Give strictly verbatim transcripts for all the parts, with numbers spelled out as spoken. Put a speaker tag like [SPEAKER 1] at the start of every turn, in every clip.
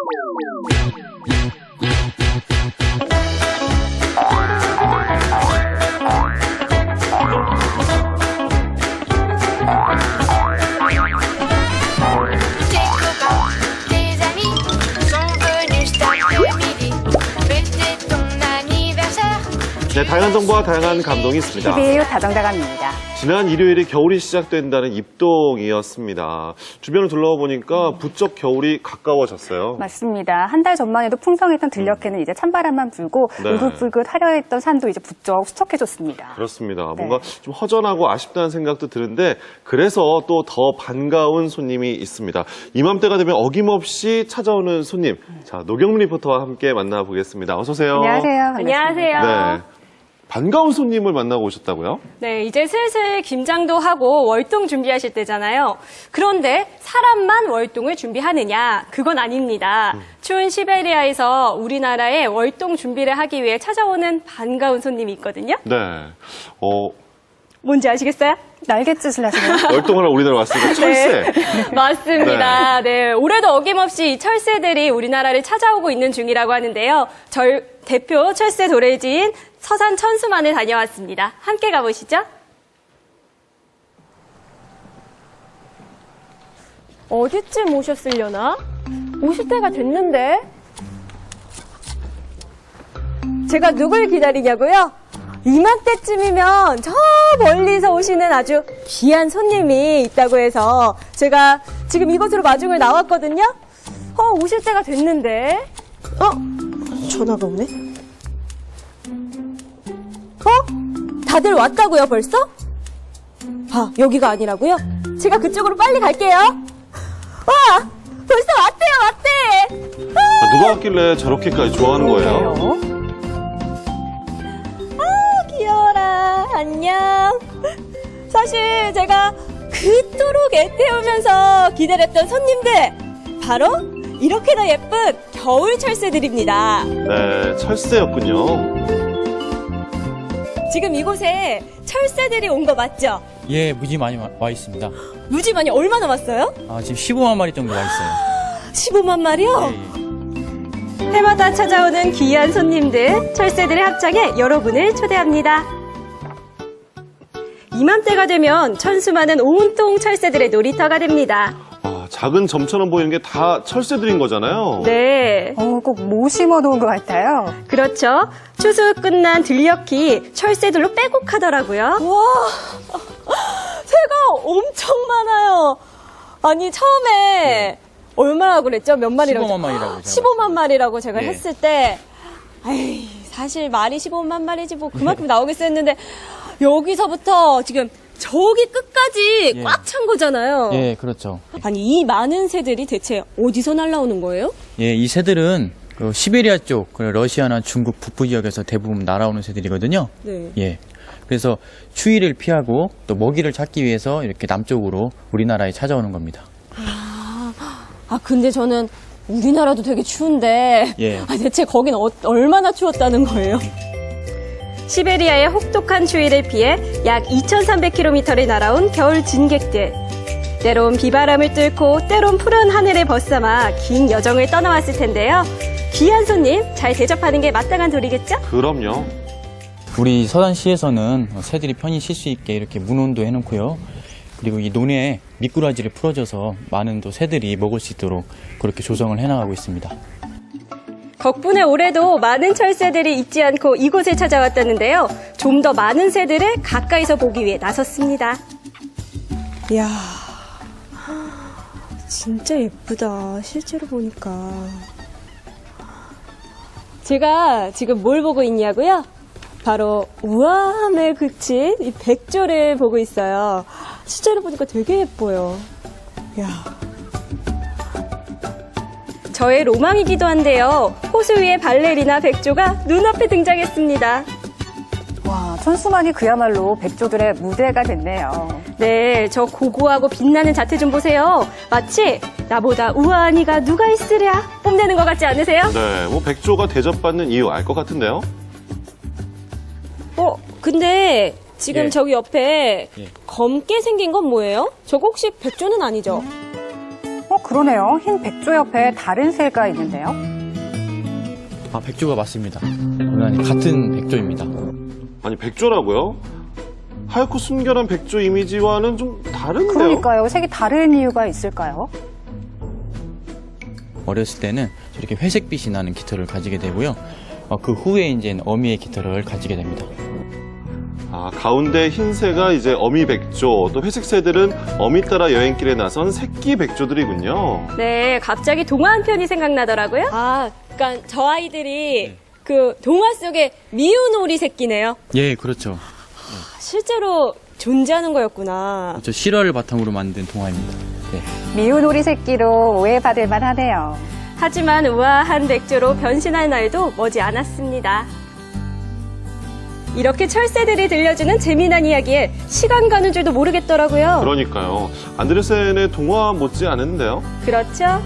[SPEAKER 1] 네, 다양한 정보와 다양한 감동이 있습니다.
[SPEAKER 2] 티비유 다정다감입니다.
[SPEAKER 1] 지난 일요일이 겨울이 시작된다는 입동이었습니다. 주변을 둘러보니까 부쩍 겨울이 가까워졌어요.
[SPEAKER 2] 맞습니다. 한 달 전만 해도 풍성했던 들녘에는 이제 찬바람만 불고
[SPEAKER 1] 네.
[SPEAKER 2] 울긋불긋 화려했던 산도 이제 부쩍 수척해졌습니다.
[SPEAKER 1] 그렇습니다.
[SPEAKER 2] 네.
[SPEAKER 1] 뭔가 좀 허전하고 아쉽다는 생각도 드는데 그래서 또 더 반가운 손님이 있습니다. 이맘때가 되면 어김없이 찾아오는 손님. 자, 노경민 리포터와 함께 만나보겠습니다. 어서 오세요.
[SPEAKER 2] 안녕하세요. 반갑습니다.
[SPEAKER 3] 안녕하세요.
[SPEAKER 1] 네. 반가운 손님을 만나고 오셨다고요?
[SPEAKER 3] 네, 이제 슬슬 김장도 하고 월동 준비하실 때잖아요. 그런데 사람만 월동을 준비하느냐? 그건 아닙니다. 음. 추운 시베리아에서 우리나라에 월동 준비를 하기 위해 찾아오는 반가운 손님이 있거든요.
[SPEAKER 1] 네. 어,
[SPEAKER 3] 뭔지 아시겠어요?
[SPEAKER 2] 날갯짓을 하시네요.
[SPEAKER 1] 월동하러 우리나라 왔으니까 철새.
[SPEAKER 3] 네, 맞습니다. 네. 네, 올해도 어김없이 이 철새들이 우리나라를 찾아오고 있는 중이라고 하는데요. 절 대표 철새 도래지인 서산 천수만을 다녀왔습니다. 함께 가보시죠. 어디쯤 오셨으려나? 오실 때가 됐는데? 제가 누굴 기다리냐고요? 이맘때쯤이면 저 멀리서 오시는 아주 귀한 손님이 있다고 해서 제가 지금 이곳으로 마중을 나왔거든요. 어, 오실 때가 됐는데. 어? 전화가 오네? 어? 다들 왔다고요, 벌써? 아, 여기가 아니라고요? 제가 그쪽으로 빨리 갈게요. 와! 벌써 왔대요, 왔대!
[SPEAKER 1] 아, 누가 왔길래 저렇게까지 좋아하는 거예요?
[SPEAKER 3] 아, 귀여워라. 안녕. 사실 제가 그토록 애태우면서 기다렸던 손님들, 바로 이렇게나 예쁜 겨울 철새들입니다.
[SPEAKER 1] 네, 철새였군요.
[SPEAKER 3] 지금 이곳에 철새들이 온 거 맞죠?
[SPEAKER 4] 예, 무지 많이 와, 와 있습니다.
[SPEAKER 3] 무지 많이 얼마나 왔어요?
[SPEAKER 4] 아, 지금 십오만 마리 정도 와 있어요.
[SPEAKER 3] 십오만 마리요?
[SPEAKER 4] 예, 예.
[SPEAKER 3] 해마다 찾아오는 귀한 손님들, 철새들의 합창에 여러분을 초대합니다. 이맘때가 되면 천수만은 온통 철새들의 놀이터가 됩니다.
[SPEAKER 1] 아, 작은 점처럼 보이는 게 다 철새들인 거잖아요.
[SPEAKER 3] 네,
[SPEAKER 2] 어, 꼭 모 심어놓은 것 같아요.
[SPEAKER 3] 그렇죠. 추수 끝난 들녘이 철새들로 빼곡하더라고요. 와, 새가 엄청 많아요. 아니, 처음에 얼마나 그랬죠? 몇 마리라고?
[SPEAKER 4] 십오만 마리라고 제가
[SPEAKER 3] 십오만 마리라고 제가
[SPEAKER 4] 예.
[SPEAKER 3] 했을 때, 에이, 사실 말이 십오만 마리지 뭐 그만큼 나오겠어 했는데, 여기서부터 지금 저기 끝까지
[SPEAKER 4] 예.
[SPEAKER 3] 꽉 찬 거잖아요.
[SPEAKER 4] 예, 그렇죠.
[SPEAKER 3] 아니, 이 많은 새들이 대체 어디서 날라오는 거예요?
[SPEAKER 4] 예, 이 새들은 그 시베리아 쪽, 그 러시아나 중국 북부 지역에서 대부분 날아오는 새들이거든요.
[SPEAKER 3] 네.
[SPEAKER 4] 예. 그래서 추위를 피하고 또 먹이를 찾기 위해서 이렇게 남쪽으로 우리나라에 찾아오는 겁니다.
[SPEAKER 3] 아, 근데 저는 우리나라도 되게 추운데,
[SPEAKER 4] 예.
[SPEAKER 3] 아, 대체 거긴 어, 얼마나 추웠다는 거예요? 시베리아의 혹독한 추위를 피해 약 이천삼백 킬로미터를 날아온 겨울 진객들. 때론 비바람을 뚫고 때론 푸른 하늘을 벗삼아 긴 여정을 떠나왔을 텐데요. 귀한 손님 잘 대접하는 게 마땅한 도리겠죠?
[SPEAKER 1] 그럼요.
[SPEAKER 4] 우리 서산시에서는 새들이 편히 쉴 수 있게 이렇게 문온도 해놓고요. 그리고 이 논에 미꾸라지를 풀어줘서 많은 또 새들이 먹을 수 있도록 그렇게 조성을 해나가고 있습니다.
[SPEAKER 3] 덕분에 올해도 많은 철새들이 잊지 않고 이곳을 찾아왔다는데요. 좀 더 많은 새들을 가까이서 보기 위해 나섰습니다. 이야, 진짜 예쁘다. 실제로 보니까. 제가 지금 뭘 보고 있냐고요? 바로 우아함에 그친 이 백조를 보고 있어요. 실제로 보니까 되게 예뻐요. 이야. 저의 로망이기도 한데요. 호수 위에 발레리나 백조가 눈앞에 등장했습니다.
[SPEAKER 2] 와, 천수만이 그야말로 백조들의 무대가 됐네요.
[SPEAKER 3] 네, 저 고고하고 빛나는 자태 좀 보세요. 마치 나보다 우아한 이가 누가 있으랴 뽐내는 것 같지 않으세요?
[SPEAKER 1] 네, 뭐 백조가 대접받는 이유 알 것 같은데요.
[SPEAKER 3] 어, 근데 지금
[SPEAKER 4] 예.
[SPEAKER 3] 저기 옆에
[SPEAKER 4] 예.
[SPEAKER 3] 검게 생긴 건 뭐예요? 저거 혹시 백조는 아니죠?
[SPEAKER 2] 어, 그러네요. 흰 백조 옆에 다른 새가 있는데요.
[SPEAKER 4] 아, 백조가 맞습니다. 고난이 같은 백조입니다.
[SPEAKER 1] 아니, 백조라고요? 하얗고 순결한 백조 이미지와는 좀 다른데요?
[SPEAKER 2] 그러니까요. 색이 다른 이유가 있을까요?
[SPEAKER 4] 어렸을 때는 저렇게 회색빛이 나는 깃털을 가지게 되고요. 어, 그 후에 이제 어미의 깃털을 가지게 됩니다.
[SPEAKER 1] 아, 가운데 흰새가 이제 어미 백조, 또 회색 새들은 어미 따라 여행길에 나선 새끼 백조들이군요.
[SPEAKER 3] 네, 갑자기 동화 한 편이 생각나더라고요. 아, 그러니까 저 아이들이 그 동화 속의 미운 오리 새끼네요.
[SPEAKER 4] 예, 그렇죠.
[SPEAKER 3] 실제로 존재하는 거였구나.
[SPEAKER 4] 저 실화를 바탕으로 만든 동화입니다. 네.
[SPEAKER 2] 미운 오리 새끼로 오해받을 만하네요.
[SPEAKER 3] 하지만 우아한 백조로 변신할 날도 머지 않았습니다. 이렇게 철새들이 들려주는 재미난 이야기에 시간 가는 줄도 모르겠더라고요.
[SPEAKER 1] 그러니까요. 안데르센의 동화 못지 않은데요?
[SPEAKER 3] 그렇죠?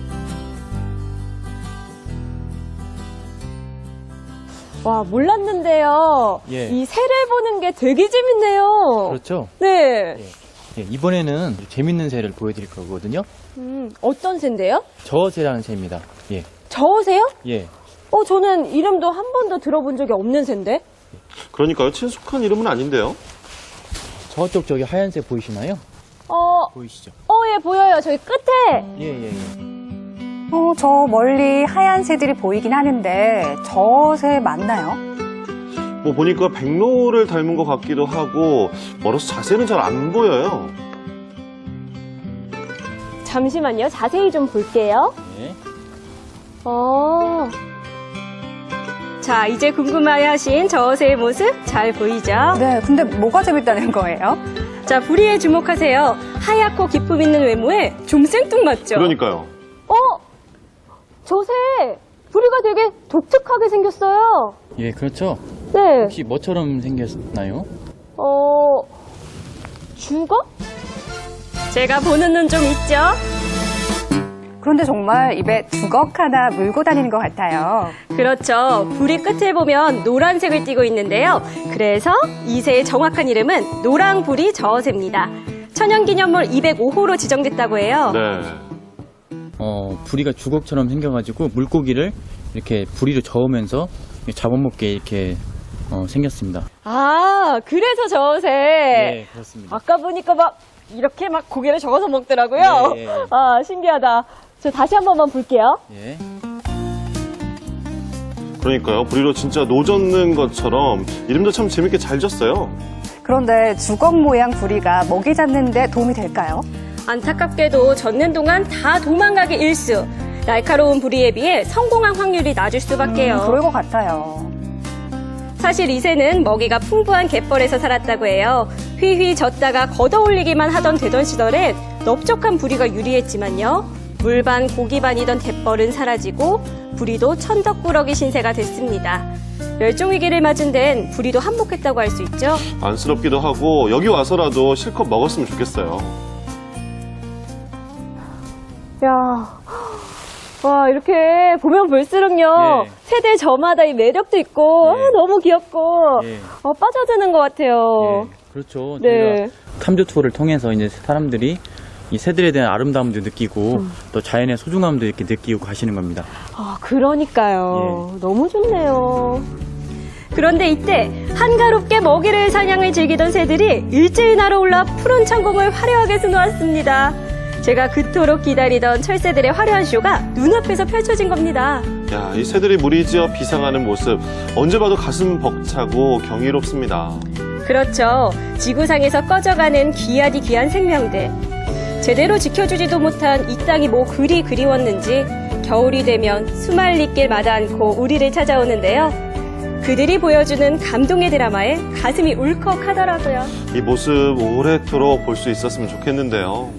[SPEAKER 3] 와, 몰랐는데요.
[SPEAKER 4] 예.
[SPEAKER 3] 이 새를 보는 게 되게 재밌네요.
[SPEAKER 4] 그렇죠.
[SPEAKER 3] 네.
[SPEAKER 4] 예, 이번에는 재밌는 새를 보여드릴 거거든요.
[SPEAKER 3] 음, 어떤 새인데요?
[SPEAKER 4] 저새라는 새입니다. 예,
[SPEAKER 3] 저새요?
[SPEAKER 4] 예.
[SPEAKER 3] 어, 저는 이름도 한 번도 들어본 적이 없는 새인데?
[SPEAKER 1] 그러니까요. 친숙한 이름은 아닌데요?
[SPEAKER 4] 저쪽 저기 하얀 새 보이시나요?
[SPEAKER 3] 어,
[SPEAKER 4] 보이시죠?
[SPEAKER 3] 어, 예, 보여요. 저기 끝에.
[SPEAKER 4] 예, 예, 예.
[SPEAKER 2] 어, 저 멀리 하얀 새들이 보이긴 하는데 저 새 맞나요?
[SPEAKER 1] 뭐 보니까 백로를 닮은 것 같기도 하고 멀어서 자세는 잘 안 보여요.
[SPEAKER 3] 잠시만요. 자세히 좀 볼게요.
[SPEAKER 4] 예.
[SPEAKER 3] 어. 자, 이제 궁금해하신 저새의 모습 잘 보이죠?
[SPEAKER 2] 네, 근데 뭐가 재밌다는 거예요?
[SPEAKER 3] 자, 부리에 주목하세요. 하얗고 기품 있는 외모에 좀 생뚱맞죠?
[SPEAKER 1] 그러니까요.
[SPEAKER 3] 어? 저새 부리가 되게 독특하게 생겼어요.
[SPEAKER 4] 예, 그렇죠.
[SPEAKER 3] 네.
[SPEAKER 4] 혹시 뭐처럼 생겼나요?
[SPEAKER 3] 어, 죽어? 제가 보는 눈 좀 있죠?
[SPEAKER 2] 그런데 정말 입에 두걱 하나 물고 다니는 것 같아요.
[SPEAKER 3] 그렇죠. 부리 끝을 보면 노란색을 띠고 있는데요. 그래서 이 새의 정확한 이름은 노랑부리 저새입니다. 천연기념물 이백오 호로 지정됐다고 해요.
[SPEAKER 1] 네.
[SPEAKER 4] 어, 부리가 주걱처럼 생겨가지고 물고기를 이렇게 부리로 저으면서 잡아먹게 이렇게 어, 생겼습니다.
[SPEAKER 3] 아, 그래서 저새.
[SPEAKER 4] 네, 그렇습니다.
[SPEAKER 3] 아까 보니까 막 이렇게 막 고개를 저어서 먹더라고요.
[SPEAKER 4] 예, 예.
[SPEAKER 3] 아, 신기하다. 저 다시 한 번만 볼게요.
[SPEAKER 4] 예.
[SPEAKER 1] 그러니까요. 부리로 진짜 노젓는 것처럼 이름도 참 재밌게 잘 졌어요.
[SPEAKER 2] 그런데 주걱 모양 부리가 먹이 잡는 데 도움이 될까요?
[SPEAKER 3] 안타깝게도 젖는 동안 다 도망가기 일수. 날카로운 부리에 비해 성공한 확률이 낮을 수밖에요.
[SPEAKER 2] 음, 그럴 것 같아요.
[SPEAKER 3] 사실 이 새는 먹이가 풍부한 갯벌에서 살았다고 해요. 휘휘 젖다가 걷어올리기만 하던 되던 시절엔 넓적한 부리가 유리했지만요. 물반 고기반이던 갯벌은 사라지고 부리도 천덕꾸러기 신세가 됐습니다. 멸종위기를 맞은 데는 부리도 한몫했다고 할 수 있죠.
[SPEAKER 1] 안쓰럽기도 하고 여기 와서라도 실컷 먹었으면 좋겠어요.
[SPEAKER 3] 야, 와, 이렇게 보면 볼수록요,
[SPEAKER 4] 예.
[SPEAKER 3] 세대 저마다 이 매력도 있고,
[SPEAKER 4] 예.
[SPEAKER 3] 아, 너무 귀엽고,
[SPEAKER 4] 예.
[SPEAKER 3] 어, 빠져드는 것 같아요.
[SPEAKER 4] 예, 그렇죠.
[SPEAKER 3] 네.
[SPEAKER 4] 저희가 탐조 투어를 통해서 이제 사람들이 이 새들에 대한 아름다움도 느끼고
[SPEAKER 3] 음.
[SPEAKER 4] 또 자연의 소중함도 이렇게 느끼고 가시는 겁니다.
[SPEAKER 3] 아, 그러니까요.
[SPEAKER 4] 예.
[SPEAKER 3] 너무 좋네요. 그런데 이때 한가롭게 먹이를 사냥을 즐기던 새들이 일제히 날아올라 푸른 천공을 화려하게 수놓았습니다. 제가 그토록 기다리던 철새들의 화려한 쇼가 눈앞에서 펼쳐진 겁니다.
[SPEAKER 1] 야, 이 새들이 무리지어 비상하는 모습 언제 봐도 가슴 벅차고 경이롭습니다.
[SPEAKER 3] 그렇죠. 지구상에서 꺼져가는 귀하디 귀한 생명들. 제대로 지켜주지도 못한 이 땅이 뭐 그리 그리웠는지 겨울이 되면 수말리길마다 않고 우리를 찾아오는데요. 그들이 보여주는 감동의 드라마에 가슴이 울컥하더라고요.
[SPEAKER 1] 이 모습 오래도록 볼 수 있었으면 좋겠는데요.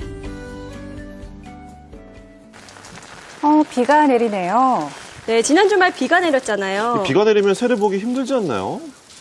[SPEAKER 2] 어, 비가 내리네요.
[SPEAKER 3] 네, 지난 주말 비가 내렸잖아요.
[SPEAKER 1] 비가 내리면 새를 보기 힘들지 않나요?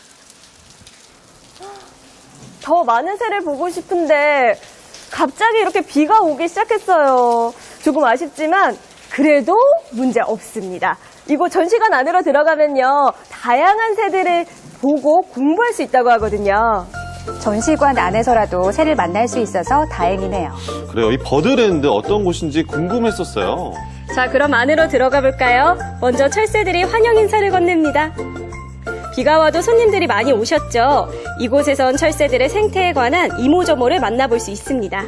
[SPEAKER 3] 더 많은 새를 보고 싶은데 갑자기 이렇게 비가 오기 시작했어요. 조금 아쉽지만 그래도 문제 없습니다. 이곳 전시관 안으로 들어가면요. 다양한 새들을 보고 공부할 수 있다고 하거든요.
[SPEAKER 2] 전시관 안에서라도 새를 만날 수 있어서 다행이네요.
[SPEAKER 1] 그래요. 이 버드랜드 어떤 곳인지 궁금했었어요.
[SPEAKER 3] 자, 그럼 안으로 들어가 볼까요? 먼저 철새들이 환영 인사를 건넵니다. 비가 와도 손님들이 많이 오셨죠. 이곳에선 철새들의 생태에 관한 이모저모를 만나볼 수 있습니다.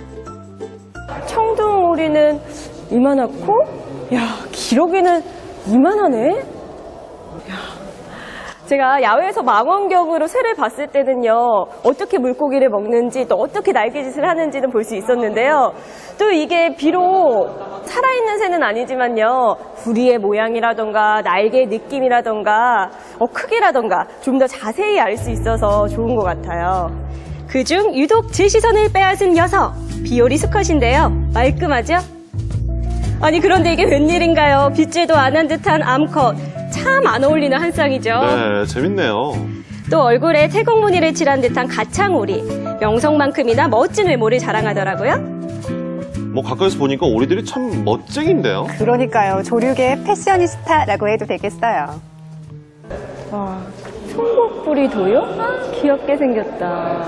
[SPEAKER 3] 청둥오리는 이만하고, 야, 기러기는 이만하네? 야, 제가 야외에서 망원경으로 새를 봤을 때는요, 어떻게 물고기를 먹는지 또 어떻게 날개짓을 하는지는 볼 수 있었는데요. 또 이게 비록 살아있는 새는 아니지만요, 부리의 모양이라던가 날개의 느낌이라던가 어, 크기라던가 좀 더 자세히 알 수 있어서 좋은 것 같아요. 그중 유독 제 시선을 빼앗은 녀석, 비오리 수컷인데요. 말끔하죠? 아니 그런데 이게 웬일인가요? 빗질도 안 한 듯한 암컷. 참 안 어울리는 한 쌍이죠.
[SPEAKER 1] 네, 재밌네요.
[SPEAKER 3] 또 얼굴에 태국무늬를 칠한 듯한 가창오리. 명성만큼이나 멋진 외모를 자랑하더라고요.
[SPEAKER 1] 뭐 가까이서 보니까 오리들이 참 멋쟁인데요.
[SPEAKER 2] 그러니까요. 조류계 패셔니스타라고 해도 되겠어요.
[SPEAKER 3] 와, 총각부리도요? 귀엽게 생겼다.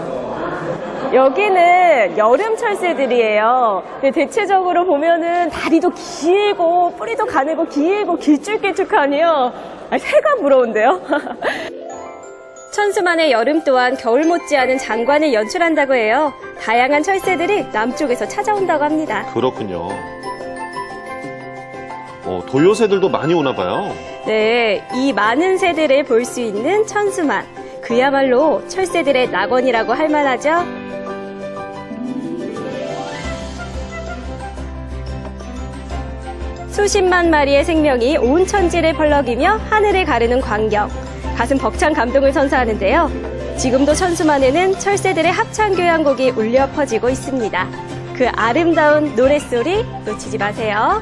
[SPEAKER 3] 여기는 여름 철새들이에요. 근데 대체적으로 보면은 다리도 길고 뿌리도 가늘고 길고 길쭉길쭉하니요. 아, 새가 부러운데요. 천수만의 여름 또한 겨울 못지않은 장관을 연출한다고 해요. 다양한 철새들이 남쪽에서 찾아온다고 합니다.
[SPEAKER 1] 그렇군요. 어, 도요새들도 많이 오나 봐요.
[SPEAKER 3] 네, 이 많은 새들을 볼 수 있는 천수만. 그야말로 철새들의 낙원이라고 할 만하죠. 수십만 마리의 생명이 온 천지를 펄럭이며 하늘을 가르는 광경. 가슴 벅찬 감동을 선사하는데요. 지금도 천수만에는 철새들의 합창 교향곡이 울려 퍼지고 있습니다. 그 아름다운 노랫소리 놓치지 마세요.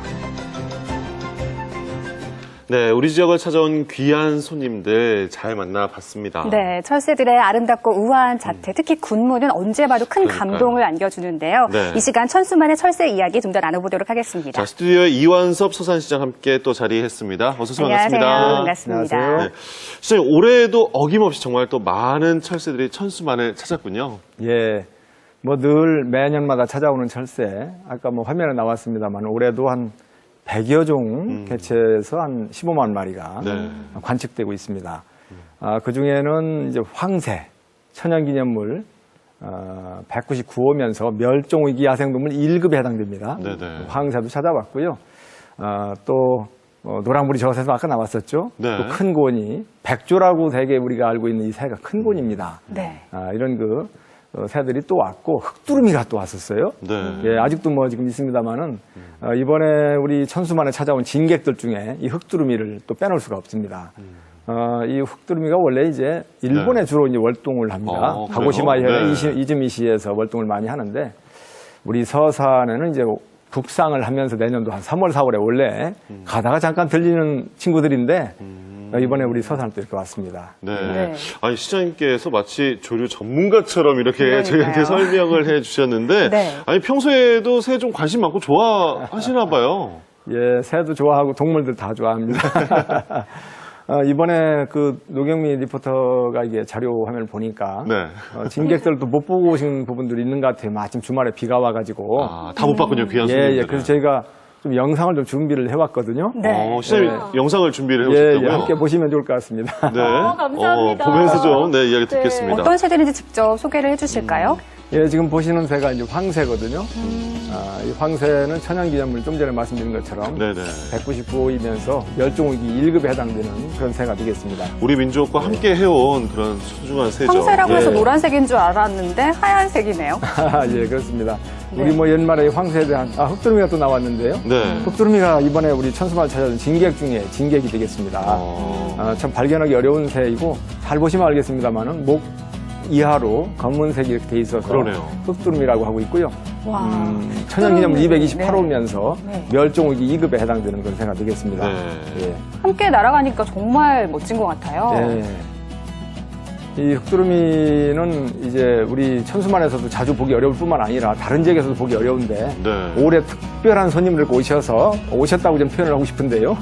[SPEAKER 1] 네, 우리 지역을 찾아온 귀한 손님들 잘 만나봤습니다.
[SPEAKER 2] 네, 철새들의 아름답고 우아한 자태, 특히 군무는 언제 봐도 큰
[SPEAKER 1] 그러니까요.
[SPEAKER 2] 감동을 안겨주는데요.
[SPEAKER 1] 네.
[SPEAKER 2] 이 시간 천수만의 철새 이야기 좀 더 나눠보도록 하겠습니다.
[SPEAKER 1] 자, 스튜디오에 이완섭 서산시장 함께 또 자리했습니다. 어서 오세요.
[SPEAKER 2] 안녕하세요.
[SPEAKER 1] 반갑습니다.
[SPEAKER 2] 반갑습니다.
[SPEAKER 5] 안녕하세요.
[SPEAKER 1] 네. 시장님, 올해도 어김없이 정말 또 많은 철새들이 천수만을 찾았군요.
[SPEAKER 5] 예, 뭐 늘 매년마다 찾아오는 철새. 아까 뭐 화면에 나왔습니다만 올해도 한 백여 종 개체에서 한 십오만 마리가
[SPEAKER 1] 네.
[SPEAKER 5] 관측되고 있습니다. 아, 그 중에는 이제 황새, 천연기념물 어, 백구십구 호면서 멸종위기 야생동물 일 급에 해당됩니다.
[SPEAKER 1] 네네.
[SPEAKER 5] 황새도 찾아봤고요. 어, 또 어, 노랑무리 저새도 아까 나왔었죠.
[SPEAKER 1] 네.
[SPEAKER 5] 또 큰 곤이 백조라고 대개 우리가 알고 있는 이 새가 큰 곤입니다.
[SPEAKER 2] 네.
[SPEAKER 5] 아, 이런 그 어, 새들이 또 왔고 흑두루미가 또 왔었어요.
[SPEAKER 1] 네.
[SPEAKER 5] 예, 아직도 뭐 지금 있습니다만은 어, 이번에 우리 천수만에 찾아온 진객들 중에 이 흑두루미를 또 빼놓을 수가 없습니다. 어, 이 흑두루미가 원래 이제 일본에
[SPEAKER 1] 네.
[SPEAKER 5] 주로 이제 월동을 합니다.
[SPEAKER 1] 어,
[SPEAKER 5] 가고시마
[SPEAKER 1] 그래요?
[SPEAKER 5] 현의
[SPEAKER 1] 네.
[SPEAKER 5] 이시- 이즈미시에서 월동을 많이 하는데 우리 서산에는 이제 북상을 하면서 내년도 한 삼월, 사월에 원래 가다가 잠깐 들리는 친구들인데 어, 이번에 우리 서산을 또 이렇게 왔습니다.
[SPEAKER 1] 네.
[SPEAKER 2] 네.
[SPEAKER 1] 아니, 시장님께서 마치 조류 전문가처럼 이렇게
[SPEAKER 2] 그러니까요.
[SPEAKER 1] 저희한테 설명을 해 주셨는데,
[SPEAKER 2] 네.
[SPEAKER 1] 아니, 평소에도 새 좀 관심 많고 좋아하시나 봐요.
[SPEAKER 5] 예, 새도 좋아하고 동물들 다 좋아합니다. 어, 이번에 그 노경미 리포터가 이게 자료 화면을 보니까
[SPEAKER 1] 네.
[SPEAKER 5] 어, 진객들도 못 보고 오신 부분들이 있는 것 같아요. 마침 주말에 비가 와가지고.
[SPEAKER 1] 아, 다 못 봤군요, 귀한
[SPEAKER 5] 예,
[SPEAKER 1] 손님들.
[SPEAKER 5] 예. 그래서 저희가 좀 영상을 좀 준비를 해왔거든요.
[SPEAKER 2] 네.
[SPEAKER 1] 어, 시장님 영상을 준비를
[SPEAKER 5] 예,
[SPEAKER 1] 해오셨다고요?
[SPEAKER 5] 예. 함께 보시면 좋을 것 같습니다.
[SPEAKER 1] 네.
[SPEAKER 3] 어, 감사합니다.
[SPEAKER 1] 어, 보면서 좀 네, 이야기 듣겠습니다.
[SPEAKER 2] 어떤 새들인지 직접 소개를 해주실까요?
[SPEAKER 5] 예, 지금 보시는 새가 이제 황새거든요. 아, 이 황새는 천연기념물 좀 전에 말씀드린 것처럼
[SPEAKER 1] 네네.
[SPEAKER 5] 백구십구 호이면서 멸종위기 일 급에 해당되는 그런 새가 되겠습니다.
[SPEAKER 1] 우리 민족과 함께 해온 그런 소중한 새죠.
[SPEAKER 2] 황새라고 해서
[SPEAKER 1] 예.
[SPEAKER 2] 노란색인 줄 알았는데 하얀색이네요.
[SPEAKER 5] 아, 예, 그렇습니다.
[SPEAKER 2] 네.
[SPEAKER 5] 우리 뭐 연말에 황새에 대한, 아, 흑두루미가 또 나왔는데요.
[SPEAKER 1] 네.
[SPEAKER 5] 흑두루미가 이번에 우리 천수만 찾아온 진객 중에 진객이 되겠습니다.
[SPEAKER 1] 어.
[SPEAKER 5] 아, 참 발견하기 어려운 새이고, 잘 보시면 알겠습니다만은, 목 이하로 검은색이 이렇게 돼 있어서
[SPEAKER 1] 그러네요.
[SPEAKER 5] 흑두루미라고 하고 있고요.
[SPEAKER 2] 와.
[SPEAKER 5] 음, 천연기념물 이백이십팔 호면서
[SPEAKER 2] 네.
[SPEAKER 5] 멸종위기 이 급에 해당되는 그런 새가 되겠습니다.
[SPEAKER 1] 네.
[SPEAKER 5] 예.
[SPEAKER 2] 함께 날아가니까 정말 멋진 것 같아요.
[SPEAKER 5] 예. 이 흑두루미는 이제 우리 천수만에서도 자주 보기 어려울 뿐만 아니라 다른 지역에서도 보기 어려운데
[SPEAKER 1] 네.
[SPEAKER 5] 올해 특별한 손님들 오셔서 오셨다고 좀 표현을 하고 싶은데요.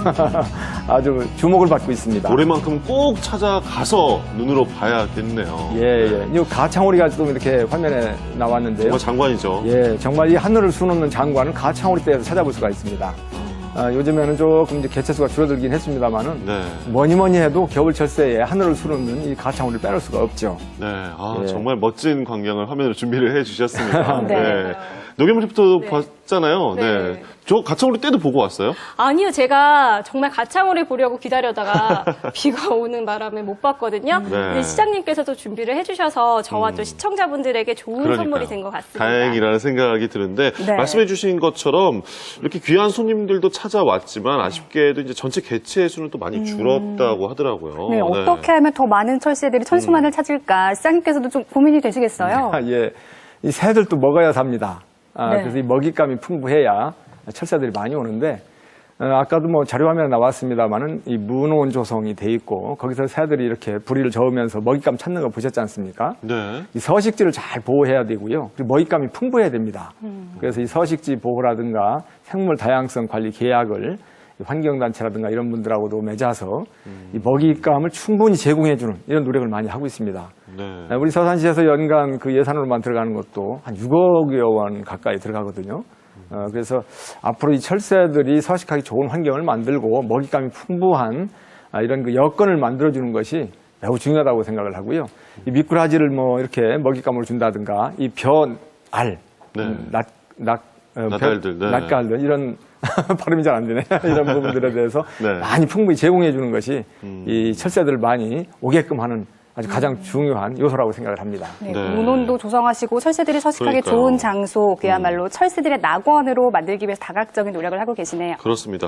[SPEAKER 5] 아주 주목을 받고 있습니다.
[SPEAKER 1] 올해만큼 꼭 찾아가서 눈으로 봐야겠네요.
[SPEAKER 5] 예, 예. 이 가창오리가 좀 이렇게 화면에 나왔는데요.
[SPEAKER 1] 정말 장관이죠.
[SPEAKER 5] 예, 정말 이 하늘을 수놓는 장관은 가창오리 떼에서 찾아볼 수가 있습니다. 아, 요즘에는 조금 이제 개체수가 줄어들긴 했습니다만은
[SPEAKER 1] 네.
[SPEAKER 5] 뭐니 뭐니 해도 겨울 철새에 하늘을 수놓는 이 가창오리를 빼놓을 수가 없죠.
[SPEAKER 1] 네. 아,
[SPEAKER 5] 예.
[SPEAKER 1] 정말 멋진 광경을 화면으로 준비를 해 주셨습니다.
[SPEAKER 2] 네.
[SPEAKER 1] 노경민 리포터도 봤잖아요. 네.
[SPEAKER 3] 네.
[SPEAKER 1] 저 가창오리 때도 보고 왔어요?
[SPEAKER 3] 아니요, 제가 정말 가창오리 보려고 기다려다가 비가 오는 바람에 못 봤거든요.
[SPEAKER 1] 네.
[SPEAKER 3] 근데 시장님께서도 준비를 해주셔서 저와 또 시청자분들에게 좋은
[SPEAKER 1] 그러니까요.
[SPEAKER 3] 선물이 된 것 같습니다.
[SPEAKER 1] 다행이라는 생각이 드는데
[SPEAKER 2] 네.
[SPEAKER 1] 말씀해 주신 것처럼 이렇게 귀한 손님들도 찾아왔지만 아쉽게도 이제 전체 개체의 수는 또 많이 줄었다고 하더라고요.
[SPEAKER 2] 네, 어떻게 하면 더 많은 철새들이 천수만을 찾을까 시장님께서도 좀 고민이 되시겠어요?
[SPEAKER 5] 아, 예. 이 새들도 먹어야 삽니다. 아,
[SPEAKER 2] 네.
[SPEAKER 5] 그래서 이 먹잇감이 풍부해야 철새들이 많이 오는데, 어, 아까도 뭐 자료화면에 나왔습니다만은 이 문온 조성이 돼 있고, 거기서 새들이 이렇게 부리를 저으면서 먹잇감 찾는 거 보셨지 않습니까?
[SPEAKER 1] 네.
[SPEAKER 5] 이 서식지를 잘 보호해야 되고요. 그리고 먹잇감이 풍부해야 됩니다. 그래서 이 서식지 보호라든가 생물 다양성 관리 계약을 환경단체라든가 이런 분들하고도 맺어서 이 먹잇감을 충분히 제공해주는 이런 노력을 많이 하고 있습니다.
[SPEAKER 1] 네.
[SPEAKER 5] 우리 서산시에서 연간 그 예산으로만 들어가는 것도 한 육억여 원 가까이 들어가거든요. 어, 그래서 앞으로 이 철새들이 서식하기 좋은 환경을 만들고 먹잇감이 풍부한 아, 이런 그 여건을 만들어주는 것이 매우 중요하다고 생각을 하고요. 이 미꾸라지를 뭐 이렇게 먹잇감으로 준다든가 이 벼알,
[SPEAKER 1] 네.
[SPEAKER 5] 음, 낫, 낫, 어,
[SPEAKER 1] 낫갈들, 네.
[SPEAKER 5] 낫갈들 이런 발음이 잘 안 되네. 이런 부분들에 대해서
[SPEAKER 1] 네.
[SPEAKER 5] 많이 풍부히 제공해 주는 것이
[SPEAKER 1] 음.
[SPEAKER 5] 이 철새들을 많이 오게끔 하는 아주 가장 중요한 요소라고 생각을 합니다.
[SPEAKER 2] 네,
[SPEAKER 1] 네.
[SPEAKER 2] 문온도 조성하시고 철새들이 서식하기
[SPEAKER 1] 그러니까요.
[SPEAKER 2] 좋은 장소, 그야말로 철새들의 낙원으로 만들기 위해서 다각적인 노력을 하고 계시네요.
[SPEAKER 1] 그렇습니다.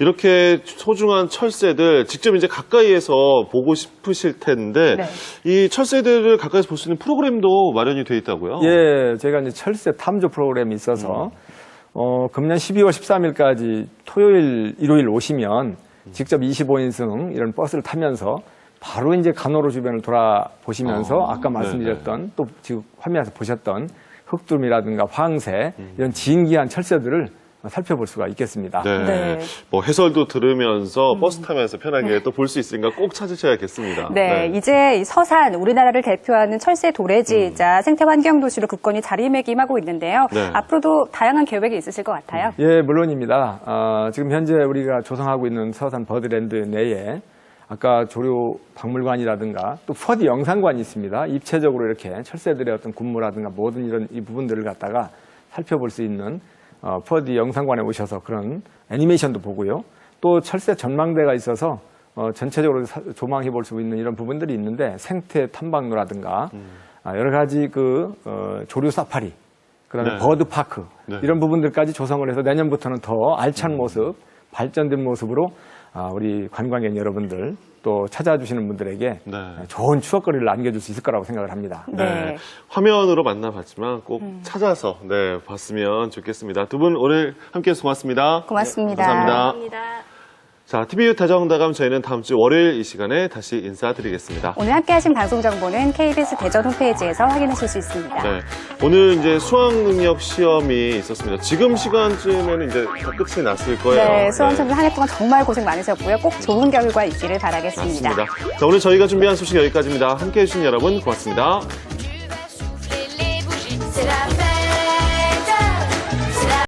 [SPEAKER 1] 이렇게 소중한 철새들 직접 이제 가까이에서 보고 싶으실 텐데
[SPEAKER 2] 네.
[SPEAKER 1] 이 철새들을 가까이서 볼 수 있는 프로그램도 마련이 되어 있다고요?
[SPEAKER 5] 예, 제가 이제 철새 탐조 프로그램이 있어서 어, 금년 십이월 십삼일까지 토요일, 일요일 오시면 직접 이십오 인승 이런 버스를 타면서 바로 이제 간호로 주변을 돌아보시면서
[SPEAKER 1] 어,
[SPEAKER 5] 아까 말씀드렸던 또 지금 화면에서 보셨던 흑두루미라든가 황새 이런 진귀한 철새들을 살펴볼 수가 있겠습니다.
[SPEAKER 1] 네.
[SPEAKER 2] 네.
[SPEAKER 1] 뭐 해설도 들으면서 버스 타면서 편하게 또 볼 수 있으니까 꼭 찾으셔야겠습니다.
[SPEAKER 2] 네, 이제 이 서산, 우리나라를 대표하는 철새 도래지이자 생태 환경 도시로 굳건히 자리매김하고 있는데요.
[SPEAKER 1] 네.
[SPEAKER 2] 앞으로도 다양한 계획이 있으실 것 같아요.
[SPEAKER 5] 예, 물론입니다. 어, 지금 현재 우리가 조성하고 있는 서산 버드랜드 내에 아까 조류 박물관이라든가 또 퍼디 영상관이 있습니다. 입체적으로 이렇게 철새들의 어떤 군무라든가 모든 이런 이 부분들을 갖다가 살펴볼 수 있는 어, 퍼디 영상관에 오셔서 그런 애니메이션도 보고요. 또 철새 전망대가 있어서 어, 전체적으로 사, 조망해 볼 수 있는 이런 부분들이 있는데 생태 탐방로라든가
[SPEAKER 1] 음.
[SPEAKER 5] 아, 여러 가지 그 어, 조류 사파리, 그다음에
[SPEAKER 1] 네.
[SPEAKER 5] 버드 파크
[SPEAKER 1] 네.
[SPEAKER 5] 이런 부분들까지 조성을 해서 내년부터는 더 알찬 모습, 발전된 모습으로 아, 우리 관광객 여러분들 또 찾아주시는 분들에게
[SPEAKER 1] 네.
[SPEAKER 5] 좋은 추억거리를 남겨줄 수 있을 거라고 생각을 합니다.
[SPEAKER 1] 네.
[SPEAKER 2] 네.
[SPEAKER 1] 화면으로 만나봤지만 꼭 찾아서 네, 봤으면 좋겠습니다. 두 분 오늘 함께해서 고맙습니다.
[SPEAKER 2] 고맙습니다.
[SPEAKER 1] 감사합니다.
[SPEAKER 3] 감사합니다.
[SPEAKER 1] 자, 티비유 다정다감 저희는 다음 주 월요일 이 시간에 다시 인사드리겠습니다.
[SPEAKER 2] 오늘 함께하신 방송 정보는 케이비에스 대전 홈페이지에서 확인하실 수 있습니다.
[SPEAKER 1] 네. 오늘 이제 수학 능력 시험이 있었습니다. 지금 시간쯤에는 이제 다 끝이 났을 거예요.
[SPEAKER 2] 네, 수험생들 한 해 동안 정말 고생 많으셨고요. 꼭 좋은 결과 있기를 바라겠습니다.
[SPEAKER 1] 맞습니다. 자, 오늘 저희가 준비한 소식 여기까지입니다. 함께해 주신 여러분 고맙습니다.
[SPEAKER 6] C'est la